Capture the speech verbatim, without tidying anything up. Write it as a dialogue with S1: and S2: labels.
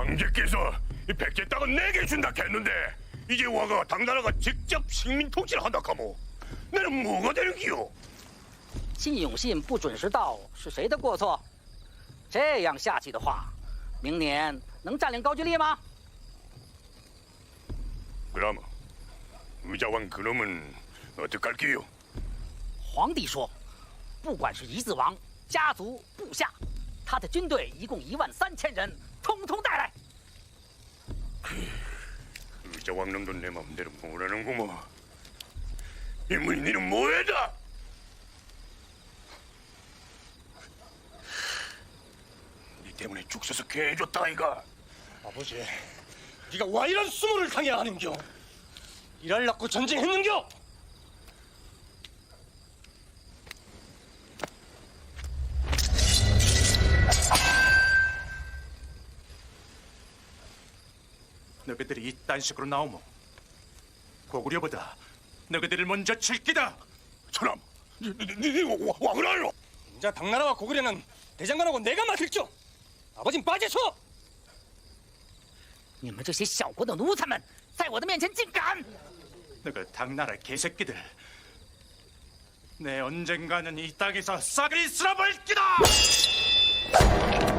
S1: 황제께서 이 백제 땅은 내게 준다 했는데 이제 와가 당나라가 직접 식민 통치를 한다 카모. 나는 뭐가 되는 기요?
S2: 信永信不准时到是谁的过错？这样下去的话，明年能占领高句丽吗？
S1: 그럼 의자왕 그놈은 어떡할게요?
S2: 皇帝说，不管是夷子王、家族、部下，他的军队一共一万三千人，通通带来。
S1: 의자왕 놈도 내 맘대로 뭐라는구먼. 인문이 니는 뭐해다? 니 때문에 죽 서서 개해줬다 아이가.
S3: 아버지, 네가 와 이런 수모를 당해야 하는겨? 일할라고 전쟁했는겨?
S4: 너희들이 이딴 식으로 나오면 고구려보다 너희들을 먼저 칠 기다.
S1: 사람, 니, 니, 니, 니 와, 왕을 알로?
S3: 인자 당나라와 고구려는 대장간하고 내가 맡을죠. 아버진 빠지소.
S2: 你们这些小国的奴才们，在我的面前竟敢！
S4: 너희 당나라 개새끼들, 내 언젠가는 이 땅에서 싹을 쓸어버릴 기다.